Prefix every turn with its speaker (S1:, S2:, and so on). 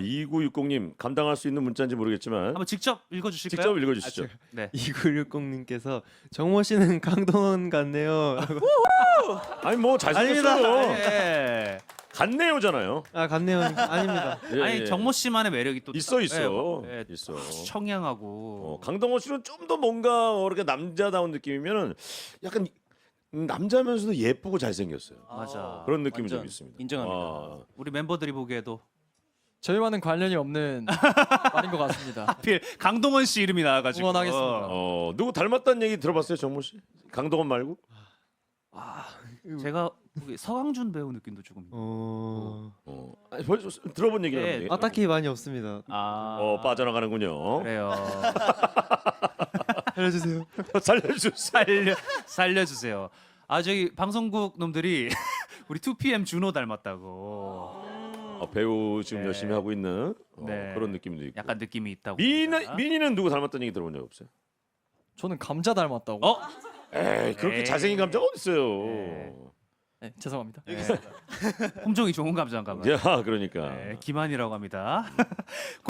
S1: 2960님 감당할 수 있는 문자인지 모르겠지만
S2: 한번 직접 읽어주실까요?
S1: 직접 읽어주시죠.
S2: 네.
S3: 2960님께서 정모 씨는 강동원 같네요.
S1: 아니 뭐 잘생겼어요.
S2: 아닙니다. 예.
S1: 같네요잖아요.
S3: 아 같네요. 아닙니다.
S1: 예,
S2: 아니
S1: 예.
S2: 정모 씨만의 매력이 또
S1: 있어.
S2: 예, 예,
S1: 있어.
S2: 청량하고
S1: 강동원 씨는 좀 더 뭔가 이렇게 남자다운 느낌이면은 약간 남자면서도 예쁘고 잘생겼어요.
S2: 맞아.
S1: 그런 느낌이
S4: 완전
S1: 좀 있습니다.
S4: 인정합니다.
S2: 우리 멤버들이 보기에도
S5: 저희와는 관련이 없는 말인 것 같습니다.
S2: 하필 강동원 씨 이름이 나와가지고
S5: 응원하겠습니다.
S1: 누구 닮았다는 얘기 들어봤어요, 정모 씨? 강동원 말고?
S2: 제가 보기 서강준 배우 느낌도 조금.
S1: 아니, 벌써 들어본 얘기를
S2: 예.
S1: 하는데.
S3: 아 딱히 많이 없습니다.
S1: 빠져나가는군요.
S2: 그래요.
S3: 알려주세요.
S1: 살려주세요.
S2: 살려주세요. 아 저기 방송국 놈들이 우리 2PM 준호 닮았다고.
S1: 배우 지금
S2: 네.
S1: 열심히 하고 있는
S2: 네.
S1: 그런 느낌도 있고.
S2: 약간 느낌이 있다고.
S1: 민이는 누구 닮았다는 얘기 들어본 적 없어요?
S5: 저는 감자 닮았다고.
S1: 에이 그렇게
S2: 에이.
S1: 잘생긴 감자가 어딨어요?
S5: 네, 죄송합니다.
S2: 홈종이 좋은 감자인가 봐요.
S1: 야 그러니까.
S2: 네, 김한이라고 합니다.